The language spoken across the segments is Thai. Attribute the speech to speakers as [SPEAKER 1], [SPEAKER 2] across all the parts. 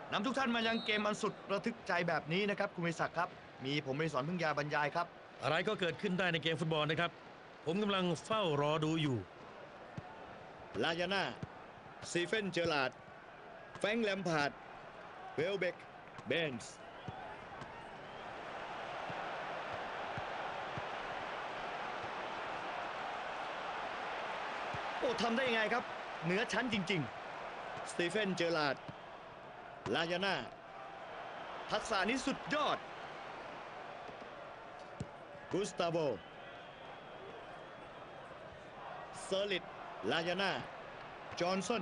[SPEAKER 1] นำทุกท่านมายังเกมอันสุดระทึกใจแบบนี้นะครับคุณวิศักดิ์ครับมีผมอดิศรพึ่งยาบรรยายครับ
[SPEAKER 2] อะไรก็เกิดขึ้นได้ในเกมฟุตบอลนะครับผมกำลังเฝ้ารอดูอยู่
[SPEAKER 1] ลายาน่าซีเฟนเจอร์ลาร์ดแฟรงค์แลมพาร์ดเวลเบกเบนส์โอ้ทำได้ยังไงครับเหนือชั้นจริงๆสตีเฟนเจอร์ลาร์ดลายาน่าทักษะนี้สุดยอดกุสตาโวเซอร์ลิตลายาน่าจอห์นสัน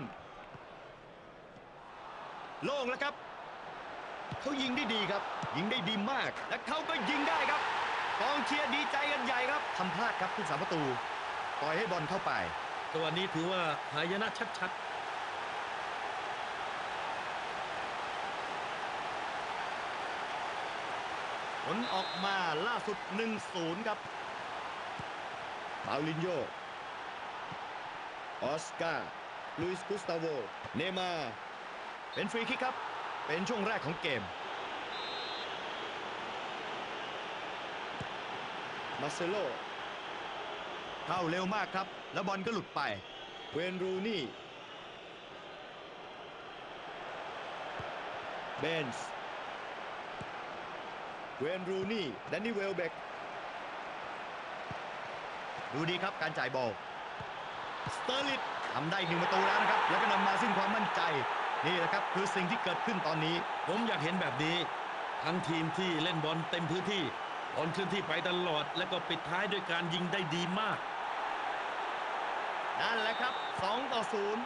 [SPEAKER 1] โล่งแล้วครับเขายิงได้ดีครับยิงได้ดีมากและเขาก็ยิงได้ครับกองเชียร์ดีใจกันใหญ่ครับทำพลาดครับผู้สาประตูปล่อยให้บอลเข้าไป
[SPEAKER 2] จังหวะนี้ถือว่าหายนะชัด
[SPEAKER 1] ผลออกมาล่าสุด 1-0 ครับปาลินโญออสการ์ลุยส์กุสตาโวเนย์มาร์เป็นฟรีคิกครับเป็นช่วงแรกของเกมมาเซโลเข้าเร็วมากครับแล้วบอลก็หลุดไปเวนรูนี่เบนส์เวนรูนี่แดนนี่เวลเบกดูดีครับการจ่ายบอลสเตอร์ลิตทำได้1 ประตูแล้วนะครับแล้วก็นำมาซึ่งความมั่นใจนี่แหละครับคือสิ่งที่เกิดขึ้นตอนนี้
[SPEAKER 2] ผมอยากเห็นแบบนี้ทั้งทีมที่เล่นบอลเต็มพื้นที่บอลเคลื่อนที่ไปตลอดและก็ปิดท้ายด้วยการยิงได้ดีมาก
[SPEAKER 1] นั่นแหละครับ2-0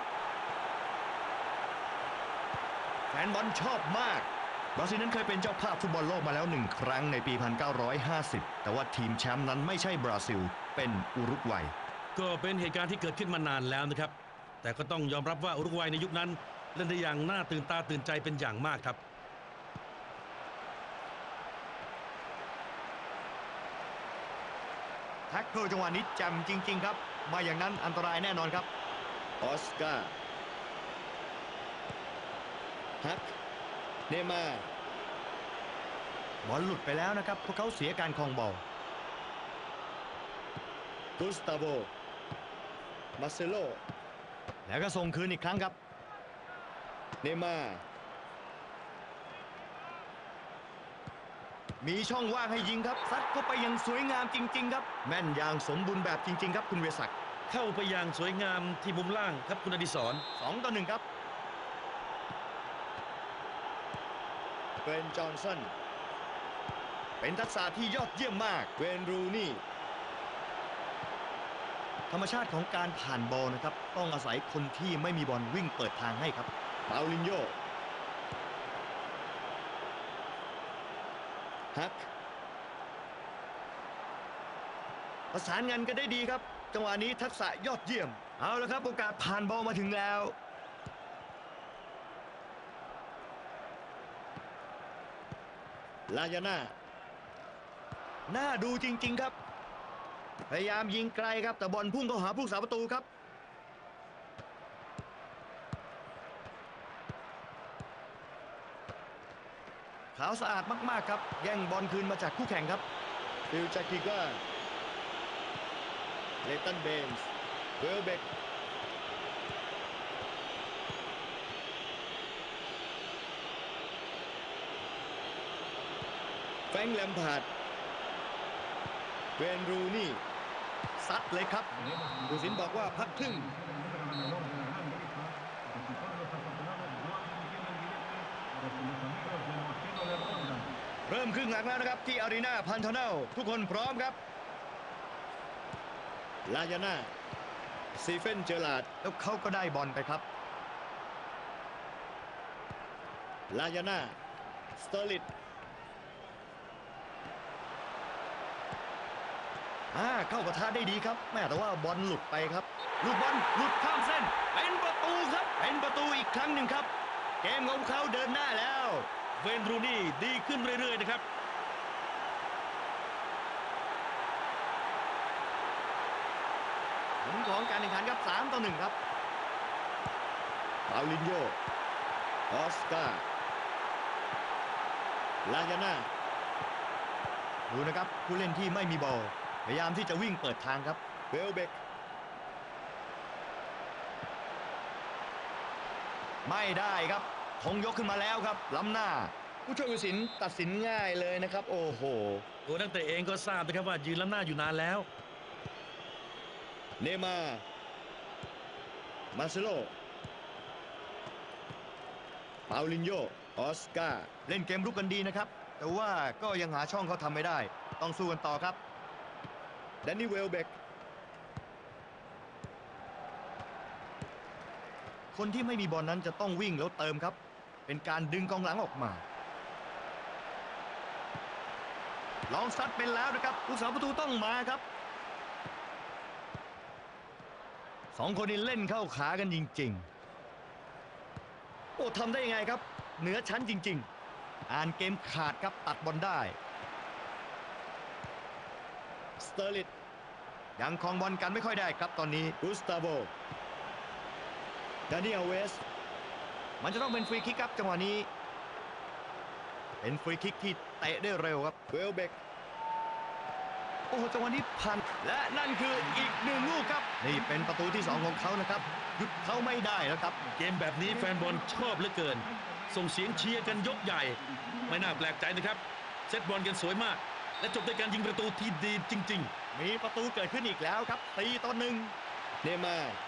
[SPEAKER 1] แฟนบอลชอบมากบราซิลนั้นเคยเป็นเจ้าภาพฟุตบอลโลกมาแล้ว1 ครั้งในปี 1950 แต่ว่าทีมแชมป์นั้นไม่ใช่บราซิลเป็นอุรุกวัย
[SPEAKER 2] ก็เป็นเหตุการณ์ที่เกิดขึ้นมานานแล้วนะครับแต่ก็ต้องยอมรับว่าอุรุกวัยในยุคนั้นเล่นได้อย่างน่าตื่นตาตื่นใจเป็นอย่างมากครับ
[SPEAKER 1] แท็กเกิลจังหวะนี้แจ่มจริงๆครับมาอย่างนั้นอันตรายแน่นอนครับออสการ์ฮักเนย์มาร์บอลหลุดไปแล้วนะครับพวกเขาเสียการครองบอลกุสตาโวมาเซโลแล้วก็ส่งคืนอีกครั้งครับเนย์มาร์มีช่องว่างให้ยิงครับซัดเข้าไปอย่างสวยงามจริงๆครับแม่นอย่างสมบูรณ์แบบจริงๆครับคุณเวศักดิ์
[SPEAKER 2] เข้าไปอย่างสวยงามที่มุมล่างครับคุณอดิศร
[SPEAKER 1] 2-1ครับเวนจอห์นสันเป็นทักษะที่ยอดเยี่ยมมากเวนรูนี่ธรรมชาติของการผ่านบอลนะครับต้องอาศัยคนที่ไม่มีบอลวิ่งเปิดทางให้ครับปาลินโญฮักประสานงานกันได้ดีครับจังหวะนี้ทักษะยอดเยี่ยมเอาละครับโอกาสผ่านบอลมาถึงแล้วลายาน่าน่าดูจริงๆครับพยายามยิงไกลครับแต่บอลพุ่งเข้าหาผู้รักษาประตูครับขาวสะอาดมากๆครับแย่งบอลคืนมาจากคู่แข่งครับฟิลจากิก้าเลตันเบนส์เวลเบกแฟรงค์แลมพาร์ดเวนรูนี่ซัดเลยครับผู้สินบอกว่าพักครึ่งเริ่มครึ่งหลังแล้วนะครับที่อารีนาพันธเนลทุกคนพร้อมครับลายาน่าซีเฟนเจอร์ลาร์ดแล้วเขาก็ได้บอลไปครับลายาน่าสเตอร์ลิตเข้าประทะได้ดีครับแม่แต่ว่าบอลหลุดไปครับลูกบอลหลุดข้ามเส้นเป็นประตูครับเป็นประตูอีกครั้งหนึ่งครับเกมของเขาเดินหน้าแล้ว
[SPEAKER 2] เวนรูนี่ดีขึ้นเรื่อยๆนะครับ
[SPEAKER 1] ผลของการแข่งขันครับ3-1ครับปาลินโญออสการ์ลายาน่าดูนะครับผู้เล่นที่ไม่มีบอลพยายามที่จะวิ่งเปิดทางครับเวลเบกไม่ได้ครับธงยกขึ้นมาแล้วครับล้ำหน้าผู้ช่วยผู้ตัดสินตัดสินง่ายเลยนะครับโอ้โห
[SPEAKER 2] ตัวนักเตะเองก็ทราบนะครับว่ายืนล้ำหน้าอยู่นานแล้ว
[SPEAKER 1] เนย์มาร์มาร์เซโลปาลินโญออสการ์เล่นเกมรุกกันดีนะครับแต่ว่าก็ยังหาช่องเขาทำไม่ได้ต้องสู้กันต่อครับแดนนี่เวลเบกคนที่ไม่มีบอลนั้นจะต้องวิ่งแล้วเติมครับเป็นการดึงกองหลังออกมาลองซัดเป็นแล้วนะครับผู้สาประตูต้องมาครับสองคนนี้เล่นเข้าขากันจริงๆโอ้ทำได้ยังไงครับเหนือชั้นจริงๆอ่านเกมขาดครับตัดบอลได้สเตอร์ลิตยังครองบอลกันไม่ค่อยได้ครับตอนนี้กุสตาโวดานิเอลเวสมันจะต้องเป็นฟรีคิกครับจังหวะนี้เป็นฟรีคิกที่เตะได้เร็วครับเวลเบกโอ้โหจังหวะนี้พันและนั่นคืออีกหนึ่งลูกครับนี่เป็นประตูที่2ของเขานะครับหยุดเขาไม่ได้แล้วครับ
[SPEAKER 2] เกมแบบนี้แฟนบอลชอบเหลือเกินส่งเสียงเชียร์กันยกใหญ่ไม่น่าแปลกใจนะครับเซตบอลกันสวยมากและจบด้วยการยิงประตูที่ดีจริงๆ
[SPEAKER 1] มีประตูเกิดขึ้นอีกแล้วครับ4-1เนย์มาร์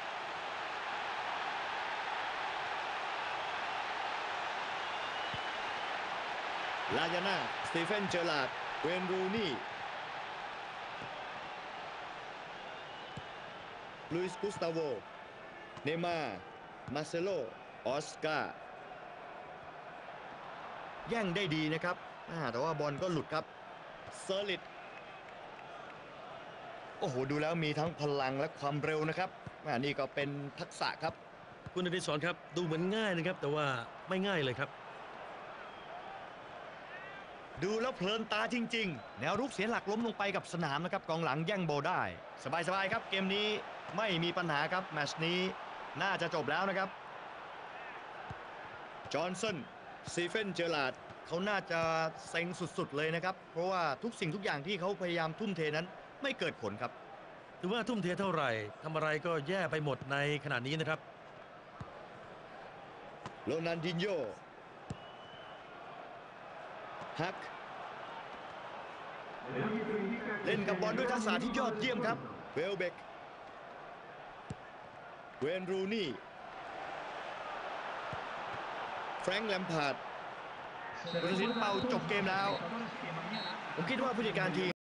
[SPEAKER 1] ลายาน่าสตีเฟนเจอร์ลาร์ดเวนรูนี่ลุยส์กุสตาโวเนย์มาร์มาร์เซโลออสการ์แย่งได้ดีนะครับแต่ว่าบอลก็หลุดครับเซอร์ลิตโอ้โหดูแล้วมีทั้งพลังและความเร็วนะครับนี่ก็เป็นทักษะครับ
[SPEAKER 2] คุณอดิศรครับดูเหมือนง่ายนะครับแต่ว่าไม่ง่ายเลยครับ
[SPEAKER 1] ดูแล้วเพลินตาจริงๆแนวรุกเสียหลักล้มลงไปกับสนามนะครับกองหลังแย่งโบได้สบายๆครับเกมนี้ไม่มีปัญหาครับแมตช์นี้น่าจะจบแล้วนะครับจอห์นสันสตีเฟนเจอร์ลาร์ดเขาน่าจะเซ็งสุดๆเลยนะครับเพราะว่าทุกสิ่งทุกอย่างที่เขาพยายามทุ่มเทนั้นไม่เกิดผลครับ
[SPEAKER 2] ถือว่าทุ่มเทเท่าไหร่ทำอะไรก็แย่ไปหมดในขณะนี้นะครับ
[SPEAKER 1] โรนัลดินโญฮักเล่นกับบอลด้วยทักษะที่ยอดเยี่ยมครับเวลเบกเวนรูนี่แฟรงค์แลมพาร์ดผู้ตัดสินเป่าจบเกมแล้วผมคิดว่าผู้จัดการทีม